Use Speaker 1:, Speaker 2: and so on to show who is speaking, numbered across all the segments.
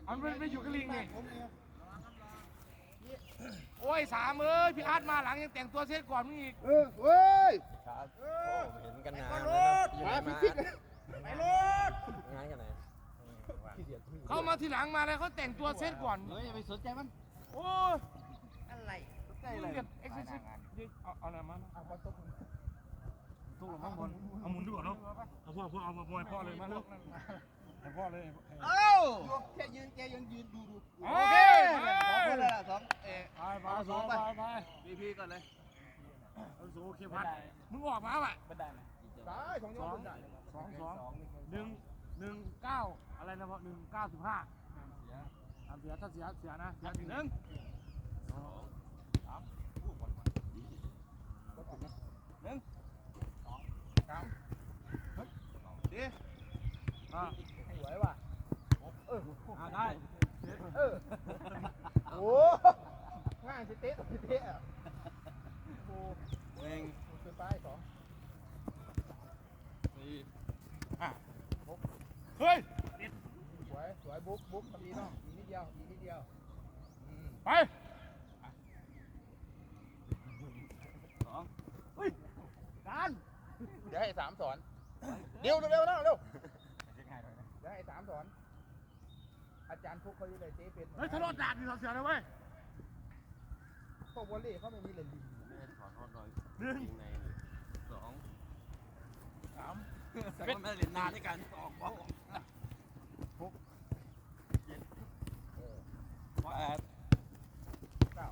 Speaker 1: มันไม่อยู่กับลิงนี่โอ้ย3พี่อาร์ตมาหลังยังแต่งตัวเสร็จก่อนมึงอีก
Speaker 2: เว้ย
Speaker 3: ครับเห็นกันนาน
Speaker 2: มาพิชิต
Speaker 1: ไปรถ
Speaker 3: งานกันไหน
Speaker 1: เขามาทีหลังมาแล้วเขาแต่งตัวเสร็จก่อน
Speaker 2: เฮ้ยไปสนใจมัน
Speaker 1: โอ้ยอะไรมึงเด็ดเอ็กซ์ซิสเอาอะไรมาเอาบอลตุ๊กข้างบนเอาหมุนดีกว่าเนาะเอาพ่อเลยมาลูกให้พ่อเลย
Speaker 2: เอ้าแค่ยืนดู
Speaker 1: โอเค
Speaker 2: สองคนเลยสอง
Speaker 1: ไป
Speaker 2: พีก่อนเลย
Speaker 1: เอาสูงโอเคพัดมึงออกมาป่ะ
Speaker 2: ได้2
Speaker 1: 119อะไรนะพ่อ195เสียถ้าเสียนะเสีย1 2 3ดี
Speaker 2: สวยว่ะ
Speaker 1: ได้
Speaker 2: โอ้ง่ายสิเตะโอ้
Speaker 3: เอง
Speaker 2: คือไป2
Speaker 3: 4
Speaker 1: เฮ้ย
Speaker 2: สวยบุ๊กทำดีเนาะอีกนิดเดียว
Speaker 1: ไป
Speaker 2: เฮ้ยการเดี๋ยวให้3สอนเร็วนะเร็วเดี๋ยวให้3สอนอาจารย์พวกเขาอยู่ในเจ๊เป็น
Speaker 1: เฮ้ยทะเลาะด่าดีเราเสียเลยเว้ย
Speaker 2: พวกวอลเลย์เขาไม่มีเลยลิง
Speaker 3: 1 2
Speaker 1: 3
Speaker 3: เป็นมาเล่นนานในการออกบอล6 7 8
Speaker 2: 9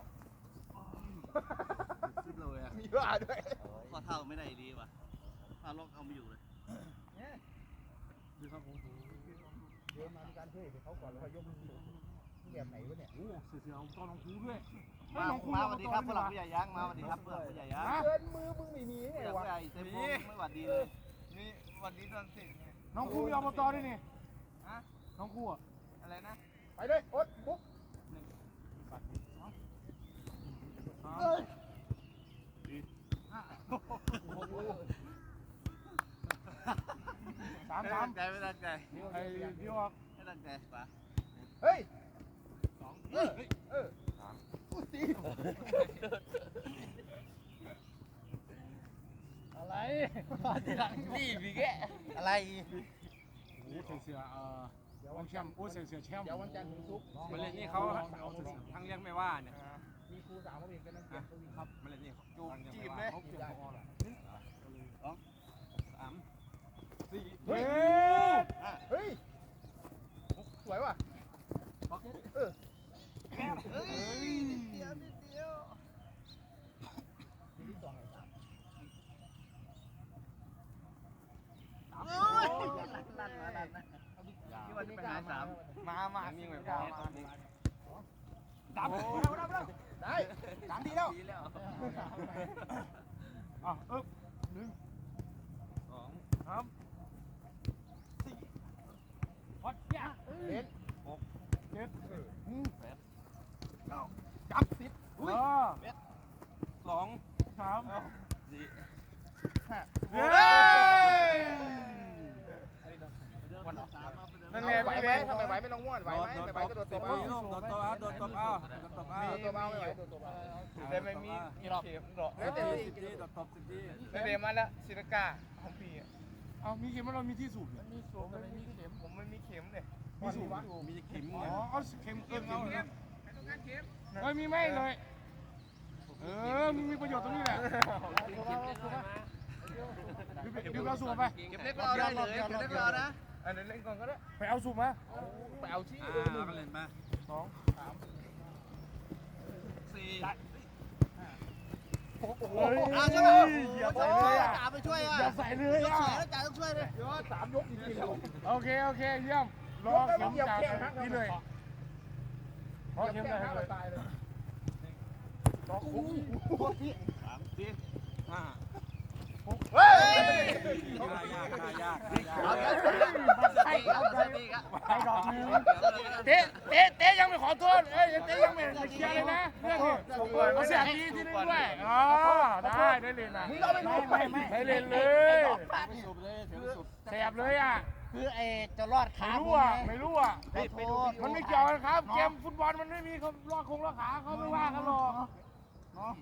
Speaker 3: เลยอ่ะ
Speaker 2: มีว่าด้วย
Speaker 3: ข้อเท้าไม่ได้ดีว่ะถ้าล็อกเอาไม่อยู่เลย
Speaker 1: ดูครับผม
Speaker 2: เดี๋ยวมาการช่วยเขาก่อนแล้วค่อยยกมือแบบไหนวะเนี่ย
Speaker 1: โอ้เสียตอนน้องครูด้วย
Speaker 3: มาสวัสดีครับผู้หลักผู้ใหญ่ยักษ์มาสวัสดีครับผู้หลักผู้ใหญ่ยักษ์
Speaker 2: เกินมือมึงไม่มีไงวะ
Speaker 3: ผู้ใหญ่เต็มมือไม่หวัดดีเลยนี่หวัดดีตอนสิ
Speaker 1: น้องครูมีอบตด้วยนี่น้องครู
Speaker 3: อะไรนะ
Speaker 2: ไปเลยโอ๊ตปุ๊บ
Speaker 1: 3
Speaker 3: ไม่ตั้งใจ
Speaker 1: ไอ้พี่ออก
Speaker 3: ไม่ตั้งใจป่ะ
Speaker 2: เฮ้ย
Speaker 1: 2
Speaker 2: ตี
Speaker 3: อะไรทีหลังนี่พี่แกอะไร
Speaker 1: โอ้เสียวันแชมป์โอ้เสียแชมป์
Speaker 2: เดี๋ยววันจันทร์ถึงศุกร์
Speaker 3: มาเล่นนี่เขาทั้งเลี้ยงไม่ว่าเนี่ย
Speaker 2: มีครูสาวเขาเองกันนั่งเก็บตัววิ่ง
Speaker 3: ครับมาเล่นนี่จูบจีบ
Speaker 1: เลย
Speaker 3: 2 3 4
Speaker 2: เฮ้ยสวยว่ะ
Speaker 3: นิดเดียว
Speaker 2: ที่2ไง
Speaker 3: ลั่นที่วันนี้ไปหา3มามีไหมพอ
Speaker 1: ดับ
Speaker 2: ได้3ทีแล้ว
Speaker 1: 1 2 3 4วัดยา
Speaker 2: เล่น
Speaker 1: 6 7 8 9
Speaker 2: จับ10
Speaker 1: 2 3
Speaker 3: 4
Speaker 1: เฮ้ย
Speaker 2: นั่นไงไหวไหมทำไมไหวไม่ลงม้วนไหวไหมไม่ไหวก็โดดตบเอา
Speaker 3: โดดตบเอาไม่ไหวโดดตบ
Speaker 2: แต่ไม่มีเข็มหรอกแล้วแต่
Speaker 3: โดดตบ10 ที
Speaker 2: แต่เดี๋ยวมาแล้วศิลกาของพี่
Speaker 1: เอามีเข็มเรามีที่สูบ
Speaker 2: มีสูบแต่ไม่มีเข็มผมไม่มีเข็มเลย
Speaker 1: มีสูบ
Speaker 3: มีเข็ม
Speaker 1: เอาเข็มเอาเฮ้ยมีไม่เลยมีประโยชน์ตรงนี้แหละดูเราสูบไป
Speaker 3: เก็บเล็กรอได้เลยเก็บเล็กรอนะ
Speaker 2: อันนั้นเล่นก่อนก็ได้
Speaker 1: ไปเอาสูบมา
Speaker 2: ไปเอาชี้
Speaker 3: ก็เล่นมา
Speaker 1: 2 3
Speaker 3: 4
Speaker 2: โอ้โห
Speaker 3: อย่าใส่เลยจ่าไปช่วยอ่ะ
Speaker 1: อย่าใส่เลยอ่ะ
Speaker 3: จ่าต้องช่วยเลย
Speaker 2: ยอด3ยกจริงๆแล้ว
Speaker 1: โอเคเยี่ยมรอเข็มจากนี่เลยรอเข็มได้เลย
Speaker 2: ตายเลย
Speaker 3: 3 4 5
Speaker 2: เฮ้ย
Speaker 3: ยาก
Speaker 1: ไปดอกนึงเตะยังไม่ขอโทษเตะยังไม่เคลียร์เลยนะเรื่องนี้เขาเสียดีที่นึงด้วยได้เล่นนะได้เล่นเลยแสบเลยอ่ะคื
Speaker 3: คือไอ้จะรอดขา
Speaker 1: ไม่รู้อ่ะ
Speaker 3: ขอโทษ
Speaker 1: มันไม่เกี่ยวกันครับเกมฟุตบอลมันไม่มีเขาลอดขาเขาไม่ว่ากันหรอก
Speaker 3: เนาะ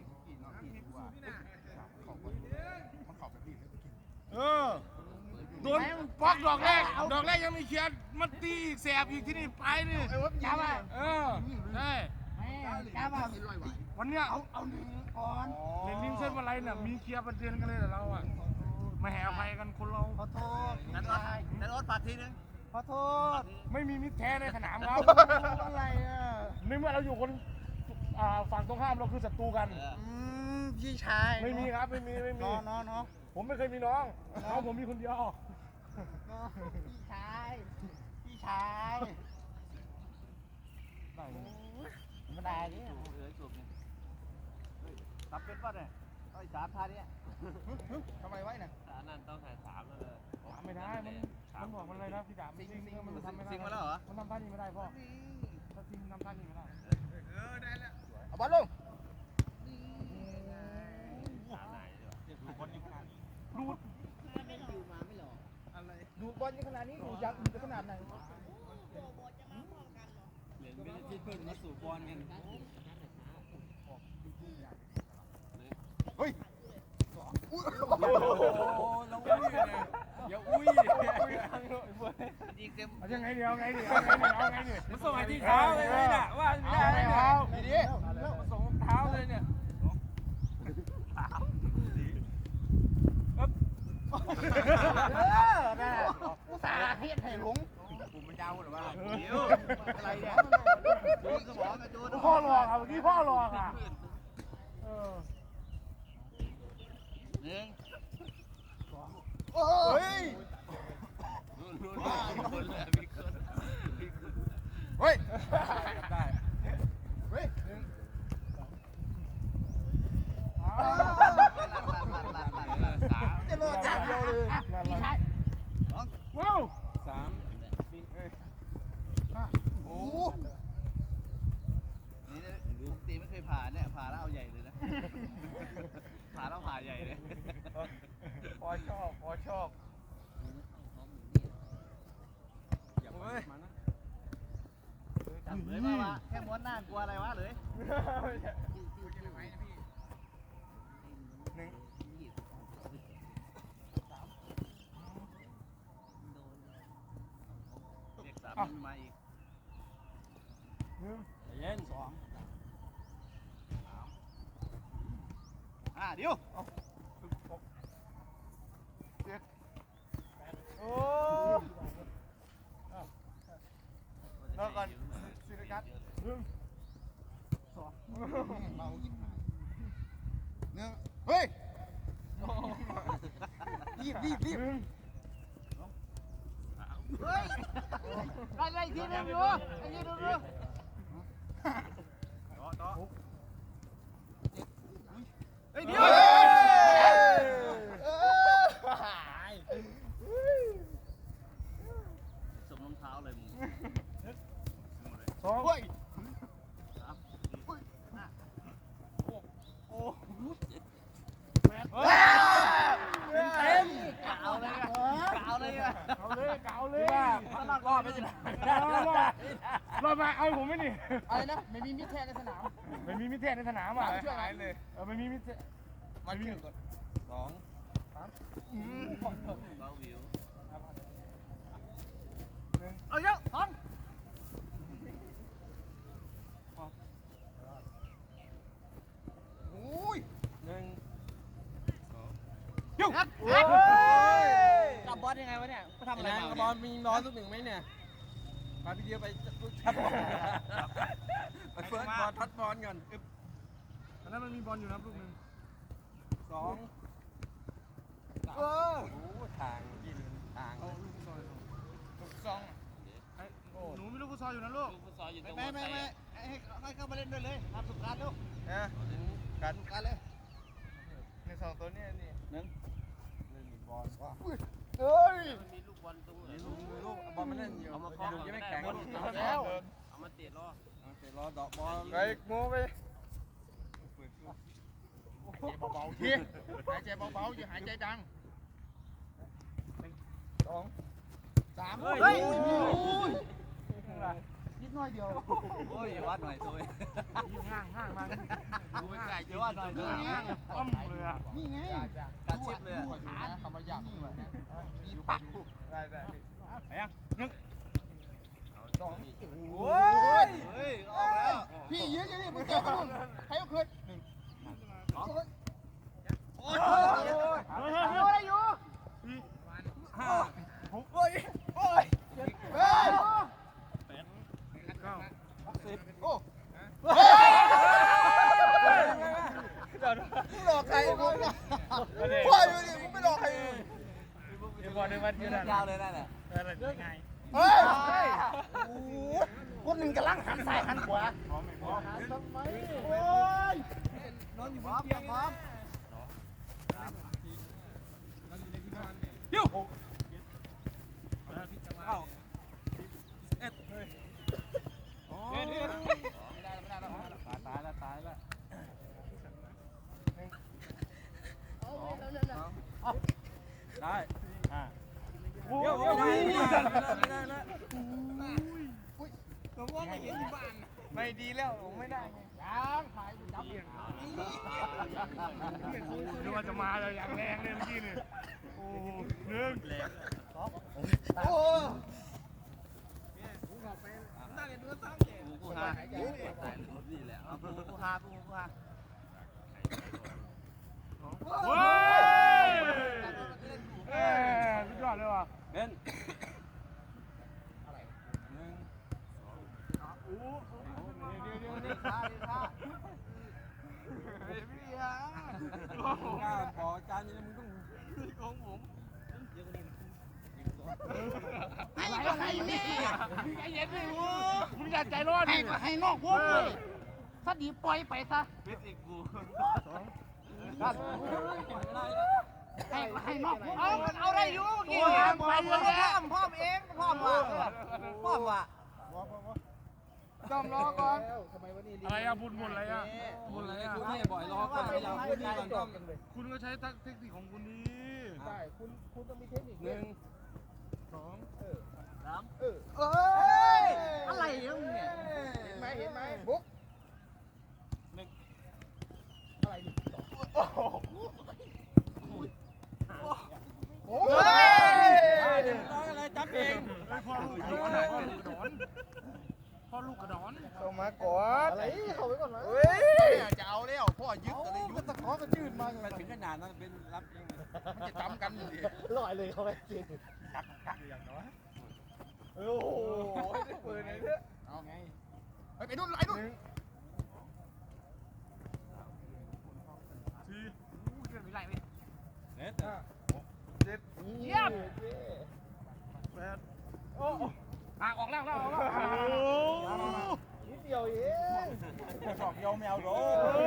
Speaker 1: เออโดนป๊อกดอกแรกยังมีเขียนมันตีอีกแสบอีกที่นี่ไปนี่
Speaker 3: จ้าว่า
Speaker 1: เออใช่
Speaker 3: จ้าว่า
Speaker 1: วันเนี้ย
Speaker 3: เอาหนึ่งก่อน
Speaker 1: เล่นลิงเส้นอะไรน่ะมีเคลียร์ประเด็นกันเลยแต่เราอ่ะไม่ให้อภัยกันคนเรา
Speaker 3: ขอโทษนั่นรถฝากทีนึงขอโทษ
Speaker 1: ไม่มีมิตรแท้ในสนามครับ
Speaker 3: อะไรอ่ะ
Speaker 1: ในเมื่อเราอยู่คนฝั่งตรงข้ามเราคือศัตรูกัน
Speaker 3: พี่ชาย
Speaker 1: ไม่มีครับไม่มี
Speaker 3: น้อง
Speaker 1: ผมไม่เคยมีน้องผมมีคนเดียว
Speaker 3: พี่ชายไม่ได้ดิตับเป็นป่ะเนี่ยไอ้สามท่านี้ทำไมไว้น่ะ
Speaker 4: นั่นต้องถ่าย3แล้วเลย
Speaker 1: ไม่ได้มันบอกมันอะไรนะพี่ดาบมันทำไม่ได้
Speaker 3: ซิงมาแล้วเหรอ
Speaker 1: มันทำท่านี้ไม่ได้พ่อถ้าซิงทำท่านี้ไม่ได้
Speaker 2: เอาบอลลง
Speaker 1: รูด
Speaker 2: ดูบอลยังขนาดนี้ดูยักษ์จะขนาดไหน
Speaker 4: เหรียญไม่ได้ที่เพิ่งมาสู่บอลกัน
Speaker 2: เฮ้ย
Speaker 4: โอ้เราอุ้ยเลยอย่าอุ้ยยิงเต็ม
Speaker 1: ยังไงเดียวไงดิ
Speaker 4: มันส่งไอ้ที่เท้าเลยน่ะว่าไม่ได้เนี่ย
Speaker 2: ดี
Speaker 4: มันส่งเท้าเลยเนี่ย
Speaker 3: น่ะอุตส่าห์เฮ็ดให้หลง
Speaker 2: ผมมันยาวหรือว่า
Speaker 4: เดี๋ยว
Speaker 2: อะไรเนี่ย
Speaker 3: จูนสมองจูน
Speaker 1: พ่อหลอกอ่ะเมื่อกี้พ่อหลอกอ่ะ
Speaker 3: หนึ่ง
Speaker 2: เฮ้ย เฮ้ย
Speaker 4: ได้
Speaker 2: เฮ้ย จะรอดอย่างเดียวเลย
Speaker 3: พี่ชาย
Speaker 1: ว้าว
Speaker 2: โอ้
Speaker 3: นี่ปกติไม่เคยผ่าเนี่ยผ่าแล้วเอาใหญ่เลยนะผ่าแล้วผ่าใหญ่เลย
Speaker 2: พอชอบ
Speaker 4: อย่าไปมานะ
Speaker 3: จับเลยมาวะแค่ม้วนหน้ากลัวอะไรวะเลย
Speaker 2: หนึ่ง
Speaker 3: เด็ก3มันมาอีก
Speaker 4: เย็น
Speaker 3: เดี๋ยว
Speaker 2: โอ้รอก่อนสิริกัตเมายิ่งหายหนึ่งเฮ้ยรีบ
Speaker 3: เฮ้ยได้ทีนึงอยู่ไอ้นี่ดูเฮ้ยเดี๋ยวสมรองเท้าเลยมึง
Speaker 1: สอง
Speaker 2: เฮ้ย
Speaker 3: เต็มกาวเลยอ่ะ
Speaker 1: เอาเลย
Speaker 3: รอดไม่ใช่
Speaker 1: รอดมาเอาผมไม่นี่
Speaker 2: อะไรนะไม่มีมิตรแท้ในสนาม
Speaker 1: ไม่มีมิตรแท้ในสนามอ่ะ
Speaker 2: ช่วยหายเลย
Speaker 1: ไม่มีมิตร
Speaker 2: มาเชื่อก่อน
Speaker 3: เราวิว
Speaker 2: เอาเยอะสองโอ้ย
Speaker 1: ยุ่ง
Speaker 3: กับบอสยังไงวะเนี่ยเขาทำอะไร
Speaker 4: นางกระบอลมีน้อยสักหนึ่งไหมเนี่ยมาพี่เดียวไปทัดบอลไปเฟิร์สบอลทัดบอลก่อน
Speaker 1: อันนั้นมันมีบอลอยู่นะลูกนึง
Speaker 4: 2
Speaker 2: เออ
Speaker 4: โอ้ทางยินทาง
Speaker 2: สอง
Speaker 1: หนูมีลูกฟุตซอลอยู่นะลูก
Speaker 4: ฟุตซอลอยู่ตรง
Speaker 3: ไม่ให้เข้ามาเล่นด้วยเลยทำสุดการลูก
Speaker 2: นะ
Speaker 3: การสุดการเลย
Speaker 2: ในสองตัวนี้นี่
Speaker 3: หนึ่ง
Speaker 2: เอ้ย
Speaker 4: มันมีลูกบอลตรงไหน
Speaker 3: ลูกบอลมันเล่นอยู่
Speaker 4: เอามาคล้อง
Speaker 3: ยังไม่
Speaker 4: ไม่
Speaker 3: แข็
Speaker 4: แข็
Speaker 3: ง
Speaker 4: ง
Speaker 2: แล้ว
Speaker 4: เอามาเตะรอ
Speaker 3: เตะรอดอกบอล
Speaker 2: ไปโม้ไปเบาๆทีหายใจเบาๆอย่าหายใจดังสอง 3
Speaker 3: เฮ้ย
Speaker 2: เฮ้ย
Speaker 3: นิดน้อยเดียว
Speaker 4: โอ้ยวัดหน่อยตัว
Speaker 1: ห้างมา
Speaker 4: ดูไม่ไกลเดี๋ยววัดหน่อยตัว
Speaker 1: อ้อมเลยอ่ะ
Speaker 3: นี่ไง
Speaker 4: ตัดชิปเลย
Speaker 2: ขาคำว่าอยากมีปักได้ไหนอ่ะ1 2
Speaker 4: โอ้ยเฮ้ยออกแล้ว
Speaker 3: พี่ยืนอยู่นี่มึงเจอมึงใครเอาคืน
Speaker 4: โอ้ย
Speaker 3: โอ้ยอยู่
Speaker 4: ห้า
Speaker 3: เฮ้ย
Speaker 4: สิบ
Speaker 3: โอ้
Speaker 2: หลอกใครมึงพ่ออยู่นี่มึงไม่หลอกใคร
Speaker 1: เดี๋ยวก่อนเดี๋ยววันเดี๋ยวย
Speaker 4: าวเลยนั่นแหละ
Speaker 1: ไง
Speaker 3: เฮ้ยโอ้ยคนหนึ่งกำลังหันซ้ายหันขวาทำไมโอ้ย
Speaker 4: นอนอยู่บนเตียงพร้อม
Speaker 1: ยิ้ว
Speaker 4: เอ้าเอ็ดตายแล้วได้เดี๋ยวไม่ได้แล้วผมว่าไม่เห็นที่บ้านไม่ดีแล้วไม่ได้
Speaker 3: ยังขายจับ
Speaker 1: นึกว่าจะมาเลยอย่างแรงเลยเมื่อกี้นี่โอ้หนึ่ง
Speaker 3: โอ้
Speaker 4: กูหานี่แหละกูหา
Speaker 1: เฮ้ยสุดยอดเลยว่ะ
Speaker 4: เป็น
Speaker 3: ดีค่ะดีค่ะ
Speaker 4: ก้าวขอจานนี้มึงต้องของผม
Speaker 3: อะไรนี่
Speaker 1: ใจเย็นดิมึงอย่าใจร้อนดิ
Speaker 3: ให้นอกวงเลยถ้าดีปล่อยไปซะ
Speaker 4: เบ็ดอีกกู
Speaker 3: ให้นอกวง
Speaker 2: เอาได้อยู่เมื่อกี้
Speaker 3: ไปแล้ว
Speaker 2: พ่อเองพ่อว่ะ
Speaker 3: ต้องรอก่อน
Speaker 1: อะไรอะบุญอะไรอะบุญอะไรอะ
Speaker 4: คุณนี่บ่อยรอก่อนเราพูดนี่ก่อนต้อง
Speaker 1: คุณก็ใช้เทคนิคของคุณนี้
Speaker 2: ใช่คุณต้องมีเทคนิค
Speaker 4: หนึ่ง
Speaker 1: สอง
Speaker 4: สาม
Speaker 3: เอ้ยอะไรเนี่ย
Speaker 2: เห็นไหมบุ๊ก
Speaker 3: โอ้
Speaker 4: อะไรจับเอง
Speaker 1: พ่อลูกกระดอนพ่อลูกกระดอน
Speaker 2: ส่งมาก่อน
Speaker 3: อะไรเขาไว้ก่อนไหม
Speaker 2: เฮ้ยจะเอาแล้วพ่อยึดอะไรยึด
Speaker 3: ตะขอก็จืดมา
Speaker 4: มันถึงขนาดนั้นเป็นรับเอง
Speaker 2: มันจะจำกันอยู่ดิ
Speaker 3: ลอยเลยเขาไปจริง
Speaker 2: โอ้โหได้ปืนเลยเนี่ยเอาไงไปนู่นไอ้นู่น
Speaker 1: สี่
Speaker 4: เน็ต
Speaker 3: เยี่ยม
Speaker 1: แปดโอ้ออกแล้วโอ้
Speaker 3: นิดเดียวเอง
Speaker 2: สอบยาวแมวโด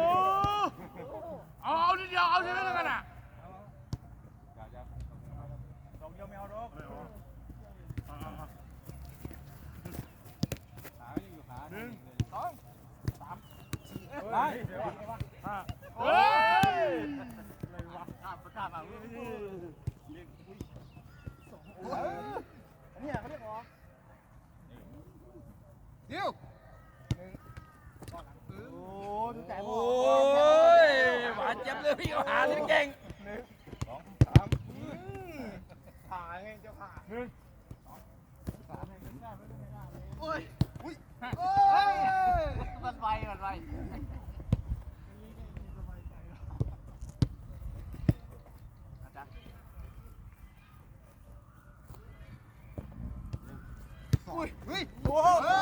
Speaker 1: เอานิดเดียวเอาใช่ไหมแล้วกันอ่ะ
Speaker 2: สอบยาวแมวโด
Speaker 4: ขาอยู่ขา
Speaker 1: หนึ่ง
Speaker 2: สอง
Speaker 4: ไป
Speaker 1: ห้าเฮ้ยอะไรวะ
Speaker 4: ประกาศแบบ
Speaker 3: เนี่ยเขาเรียกว่า
Speaker 2: เดี๋ยว
Speaker 3: โอ้ดูใจพ่อ
Speaker 4: โอ้ยหวานเจ็บเลยพี่หาที่เก่ง
Speaker 2: ผ่าไงเจ้าผ่า
Speaker 1: หนึ่ง
Speaker 2: โอ้ยอุ้ย
Speaker 4: มันไป
Speaker 2: อุ้ยเฮ้ย
Speaker 3: โอ้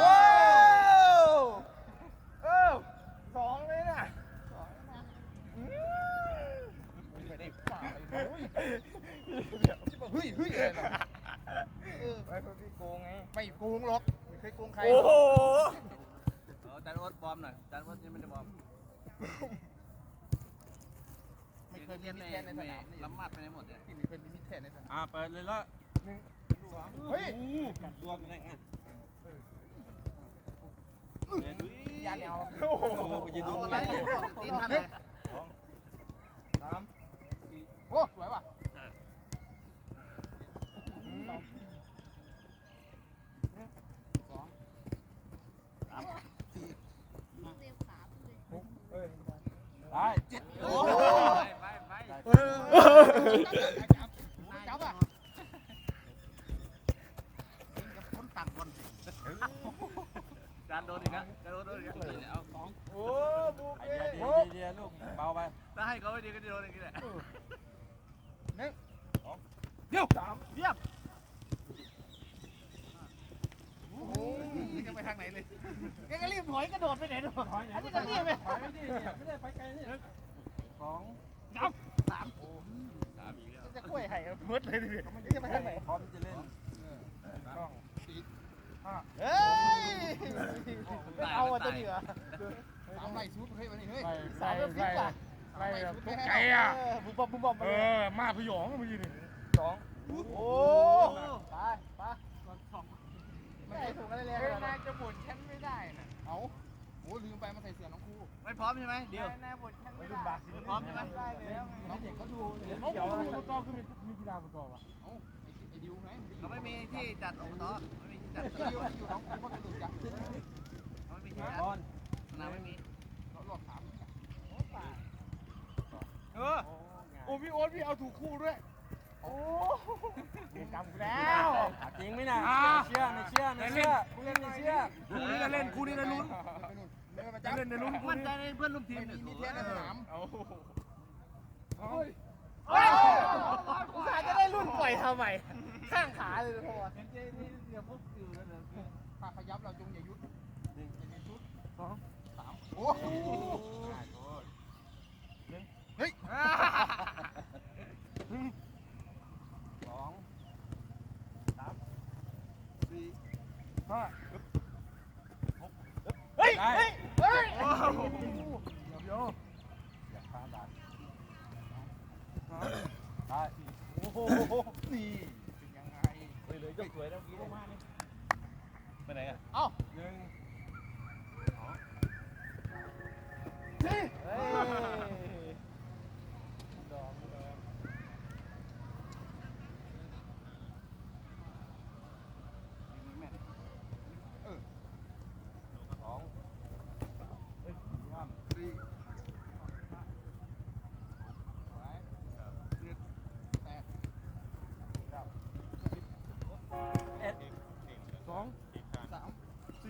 Speaker 2: สองเลยน่ะไม่ได้ฝ่าเฮ้ยอะไรหรอไอ้พวกที่โกงไงไม่โกงหรอกไม่เคยโกงใคร
Speaker 4: โอ้โหจานวดบอมหน่อยจานวดยังไม่ได้บอม
Speaker 2: ไม่เคยมีมิตรแทนในสนามนี่
Speaker 4: ล้ำมัดไปในหมดเนี่ย
Speaker 2: ไม่เคยมีมิตรแทนในสนาม
Speaker 4: เปิดเลยละ
Speaker 2: เฮ้ย
Speaker 4: รวมได้ไง
Speaker 2: ยาแนว
Speaker 4: โอ้โหยืนดู
Speaker 2: อะไรตีนทันเลยสามโอ้สวยว่ะ
Speaker 4: ได้เจ็ดโอ้ไป
Speaker 2: จับอ่ะคนต่างคน
Speaker 3: จานโดนอีกแล้วจานโดนอีกแล้วเอาสอง
Speaker 2: โอ้บุก
Speaker 4: ไอ
Speaker 2: เอ้
Speaker 4: เดียลูกเบาไป
Speaker 3: ถ้าให้เขาไม่ดีก็จะโดนอย่างนี้แหละ
Speaker 1: เดี๋ยว
Speaker 3: เยี่ยม
Speaker 2: โอ้ยจะไปทางไหนเลย
Speaker 3: แกก็รีบถอยกระโดดไปไหนดูอันนี้ก็รีบไป
Speaker 4: ไปไม่ดีไม่ได้ไปไกลนี่สอง
Speaker 3: สามอีกแล้ว
Speaker 2: จะกล้วยไห่มืดเลยดิจะไปทางไหน
Speaker 4: พร้อมจะเล่น
Speaker 2: เฮ้ยไม่เอาอ่ะตัวนี้เหรอสามไล่ชุดเฮ้ยวันนี้เฮ้ยสามฟิตป่ะ
Speaker 1: ไล่แบบทุกไก่อ่ะ
Speaker 2: บุบบุบมา
Speaker 1: มาพยองเมื่อกี้นี่
Speaker 2: สองโอ้ไปไปไม่ได้ถูกอะไรเลยนายจะบ่นฉันไม่ได้น่ะเอาโอ้ลืมไปมาใส่เสื้อน้องครู
Speaker 3: ไม่พร้อมใช่ไหมเดี๋ยวน
Speaker 2: ายบ่นฉันไม่ได้
Speaker 3: พร้อมใช่ไหม
Speaker 2: ได้แล้วน้องเด็กเขาดูเดี๋ยว
Speaker 1: เขา
Speaker 2: เดี๋ยว
Speaker 1: ประกอบคือมีกีฬาประกอบอ่ะ
Speaker 2: ไอ้ดิวไง
Speaker 3: เขาไม่มีที่จัดอบตไม่มีที่จัด
Speaker 2: ไอ้ดิวอยู่น้องครูเขาจะดูจับ
Speaker 3: เขาไม่มีที่จัด
Speaker 4: บอล
Speaker 3: สนามไม่มี
Speaker 2: เขาหลอกถาม
Speaker 1: โอ้พี่โอ๊ตพี่เอาถูกคู่ด้วย
Speaker 2: โอ้
Speaker 1: จำแล้ว
Speaker 4: จริงไหมน่ะเชื่อไม่เชื่อไม่เชื่อกูเล่นไม่เชื่อ
Speaker 1: คู่นี้จะเล่นคู่นี้จะลุ้น
Speaker 2: เดินมา
Speaker 1: จะ
Speaker 2: จับ
Speaker 1: เล่นในลุ้นคู่
Speaker 3: มั่นใจ
Speaker 1: นี้
Speaker 3: ในเพื่อนร่วมทีม
Speaker 2: มีนิเทศในสนาม
Speaker 3: กูอาจจะได้รุ่นปล่อยทำไมข้างขาเลยพ่อ
Speaker 2: ถ้าขยับเราจงอย่ายุดสองสามโอ้เฮ้ย
Speaker 4: สอง
Speaker 1: ห้า
Speaker 2: เฮ้ย
Speaker 4: ได้
Speaker 2: เฮ้ย
Speaker 1: เดี๋ยว
Speaker 4: อยากพาบาท
Speaker 1: ได้
Speaker 2: โอ้โหนี่เป็นยังไง
Speaker 1: เลยยกสวยแล้วกี้มากนี่ไปไหนอ่ะ
Speaker 2: เอ้า
Speaker 4: หนึ่ง
Speaker 2: เฮ้ย
Speaker 4: สอง
Speaker 2: สี่แปด
Speaker 1: สอง
Speaker 2: สาม
Speaker 1: สี่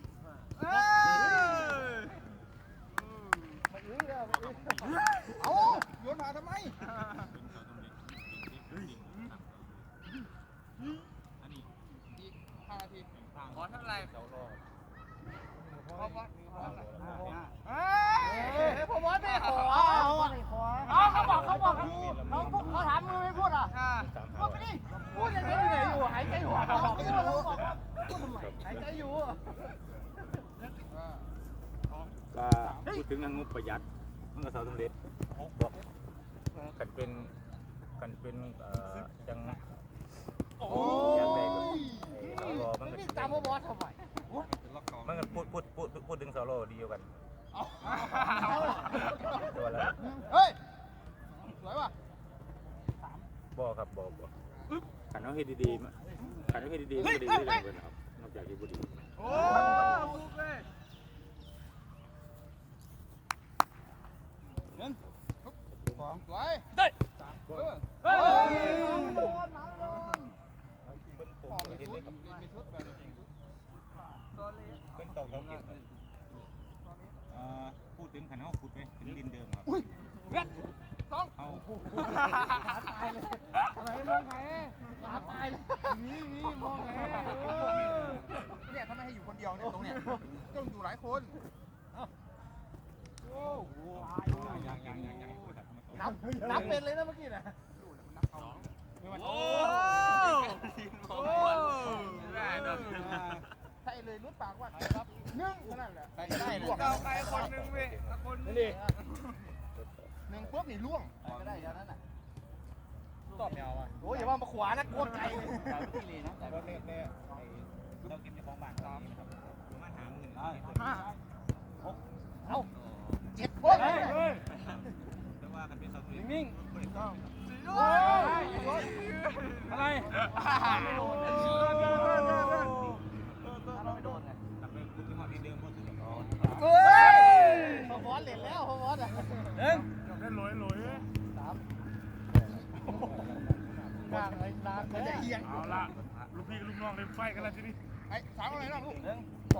Speaker 2: เอาโยนหาทำไม อีก5 นาที
Speaker 3: ขอเท่าไหร่
Speaker 2: พอมอสไม่ขอเขาบอกเขาถามมือไม่พูดอ่ะพูดไปดิพูดยังไงอยู่หายใจหัวเขาบอกพูดทำไมหายใจอยู่
Speaker 5: ก็พูดถึงงบประหยัดมันก็สำเร็จกันเป็นจัง
Speaker 2: โอ้
Speaker 5: อย่างไร
Speaker 2: ย
Speaker 5: ก็สรมันก็
Speaker 2: นี่ตามพอมอสทำไม
Speaker 5: มันก็พูดถึงสรดีอยู่กันตัวละ
Speaker 2: เฮ้ยสวยป่ะ
Speaker 5: บ่ครับบ่ขันเอาให้ดีๆขันเอาให้ดีๆมันก็ดีได้เลยครับนอกจากที่บุดี
Speaker 2: โอ้บุกเลยสองสวยได้เฮ้ยโดนหนังโดนพอไม่ชุดไม่ชุดแบบ
Speaker 5: เป็นตอกเขาเก็บพูดถึงขันเอาขุดไปถึงดินเดิมครับ
Speaker 2: อุ้ยเว็ดสอง
Speaker 5: เอา
Speaker 2: ขาตายเลยอะไรมองไงขาตายเลยนี่มองไงเนี่ยถ้าไม่ให้อยู่คนเดียวเนี่ยตรงเนี้ยต้องอยู่หลายคนโอ้โหนับเป็นเลยนะเมื่อกี้นะโอ้ใช่เลยรุดปากว่าครับนึ่งนั่นแหละใช่ได้เลยเอาใครคนนึงเว้ยคนนึงหนึ่งปุ๊บนี่ล่วงก็ได้แล้วนั่นน่ะตอบแนวอ่ะโอ้ยอย่าว่ามาขวานะโคตรไกลเลย
Speaker 5: แต่ที่เลยนะแต่ว่าเนี่ยเราเก็บในของบ้านเรานี่นะครับประมาณ50,000
Speaker 2: ห้าเอา7 คน
Speaker 5: แต่ว่ากันเป็นสำเร็จ
Speaker 4: นิ่ง
Speaker 1: อะไร
Speaker 5: กลับไปพูดที่หอที่เดิมพูดถึง
Speaker 2: เฮ้ยพอมอสเล่นแล้วพอมอสอ่ะางไอ้ร้านมันจะเอียง
Speaker 1: เอาละลูกพี่กับลูกน้องเลยไฟกันแล้วทีนี้
Speaker 2: ไอ้สามอะไรนะลูก
Speaker 4: 2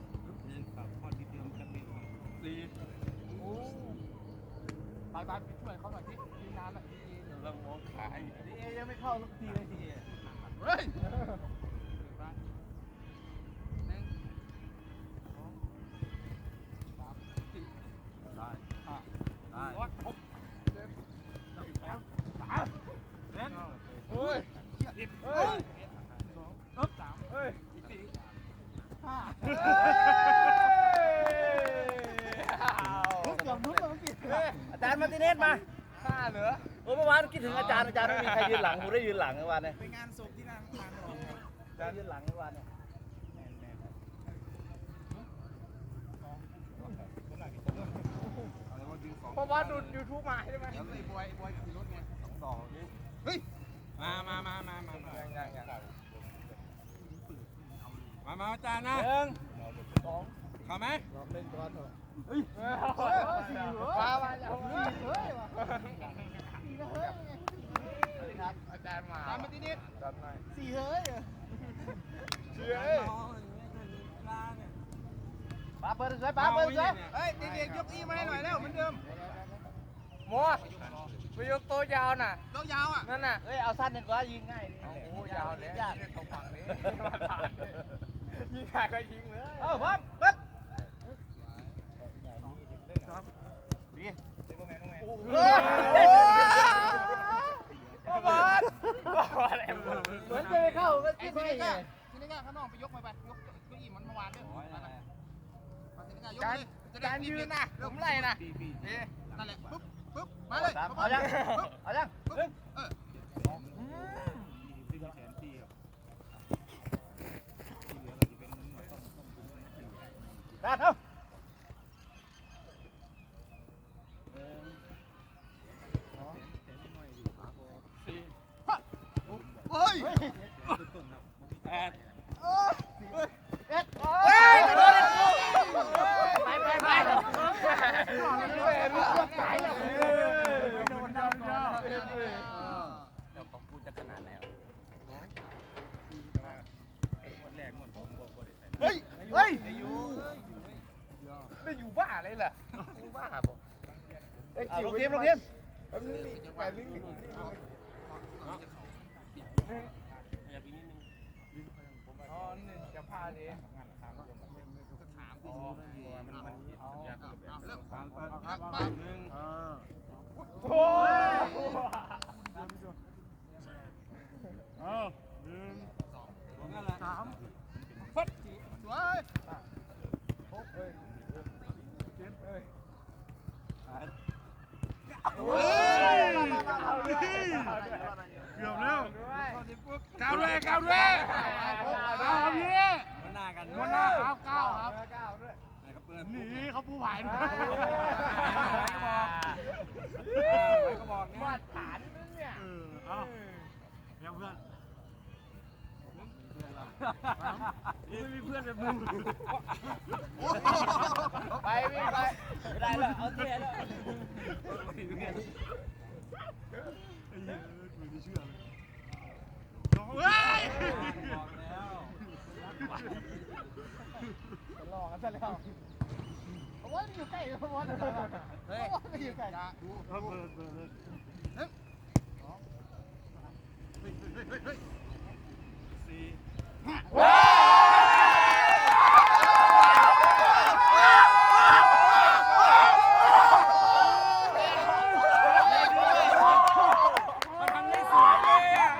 Speaker 2: โอ้ไปช่วยเขาหน่อยที่ทีน้ำอ่ะที
Speaker 4: เรามองขาย
Speaker 2: เอยังไม่เข้าสักทีเลยทีเฮ้ยเฮ้ย
Speaker 3: อาจารย์มาร์ติเนสมา
Speaker 2: 5เหรอ
Speaker 3: โอ้เมื่อวานคิดถึงอาจารย์ไม่มีใครยืนหลังผมได้ยืนหลังเมื่อวานเนี่ย
Speaker 2: ไปงานศพที่นั่งทานหรอ
Speaker 3: อาจารย์ยืนหลังเมื่อวานเนี่ย
Speaker 2: เพราะว่าดู YouTube มาใช่ไหมไอ้บอยขี่รถไงเฮ้ย
Speaker 4: มาอาจารย์นะ เข้าไหม
Speaker 2: มาแล้วอาจารย์มาตามมาที่นี่สี่เฮ้ยป้าเปิดสวยป้าเปิดสวยเฮ้ยเด็กๆยกอีมาให้หน่อยแล้วเหมือนเดิมโม่ไปยกโต๊ะยาวน่ะโต๊ะยาวอ่ะนั่นน่ะเอ้ยเอาสั้นดีกว่ายิงง่ายโอ้ยาวเลยยากตรงฝั่งนี้ยิงขาก็ยิงเลยพร้อมปึ๊บเหมือนจะเข้าก็ที่นี่ไงที่นี่ไงข้างนอกไปยกไปยกเก้าอี้มันเมื่อวานด้วยการยืนนะผมไล่นะนั่นแหละปุ๊บมาเลยเอายังได้เท่าเฮ้ยไม่อยู่บ้าอะไรล่ะบ้าบอกลงทีมอ๋อนี่จะพาดิโอ้ย
Speaker 1: เอาหนึ่ง
Speaker 2: ฟัดสวย
Speaker 1: เกือบแล้วก้าวด้วยเอาพี่
Speaker 4: มันหน้ากัน
Speaker 1: วันหน้าครับก้าวครับหนีเขาผู้ผ่าน
Speaker 4: ก็บอก
Speaker 2: มาฐานเนี่ย
Speaker 1: เอายังเพื่อนไม่มีเพื่อนแบบมึง
Speaker 2: ไปวิ่งไป
Speaker 3: ไม่ได้แล้วเอาเท่แล้ว
Speaker 1: ไอ้เหี้ยกูไม่เชื่อเลยเฮ้ย
Speaker 2: หลอกกันซะแล้วเพราะว่ามันอยู่ใกล้เพราะว่ามันอยู่ใกล้ดู
Speaker 1: เปิดสี่
Speaker 4: มันทำได้สวยเลยอ่ะ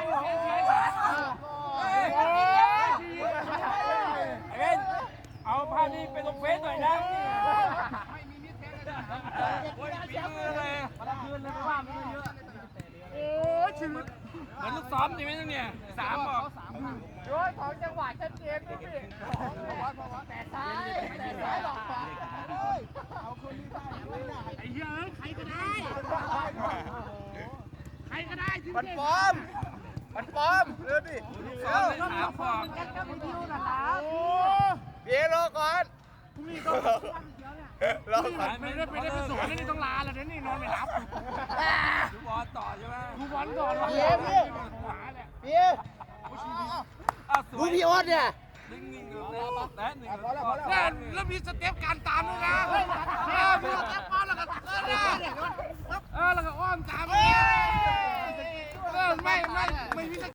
Speaker 4: เอาภาพนี้ไปลงเฟซหน่อยนะไม่มีมิตรแท้เลยเลยมาคืนเลยไม่ว่าไม่เยอะ
Speaker 1: โอ้ยชีวิต
Speaker 4: เหมือนลูกซ้อมใช่ไหมเนี่ย3บอก
Speaker 2: โยนของจังหวะชัดเจนด้วยพี่แต่ซ้ายหลอกขวาเอาคนนี้ได้ไม่ได้
Speaker 1: ไอ้เหี้ยใครก็ได้ที่
Speaker 2: มันปลอมเร็วดิ
Speaker 4: ซ้อมเลย3บอก
Speaker 2: กันกับวิดีโอนะครับเดี๋ยวรอก่อน
Speaker 1: พรุ่งนี้ก็
Speaker 2: รอก่อน
Speaker 1: ไม่ได้ไปสวนนี่ต้องลาแล้วนี่นอนไม่หลับ
Speaker 4: ดูบอลต่อใช่ไหม
Speaker 1: ดูบอลก่อนวะ
Speaker 2: เย้พี่
Speaker 1: หาแหละ
Speaker 2: ดูพี่โอ๊ตเนี่ย
Speaker 1: แล้วมีสเต็ปการตามด้วยนะมีสเต็ปมาแล้วก็แล้วก็อ้อมตามไม่มี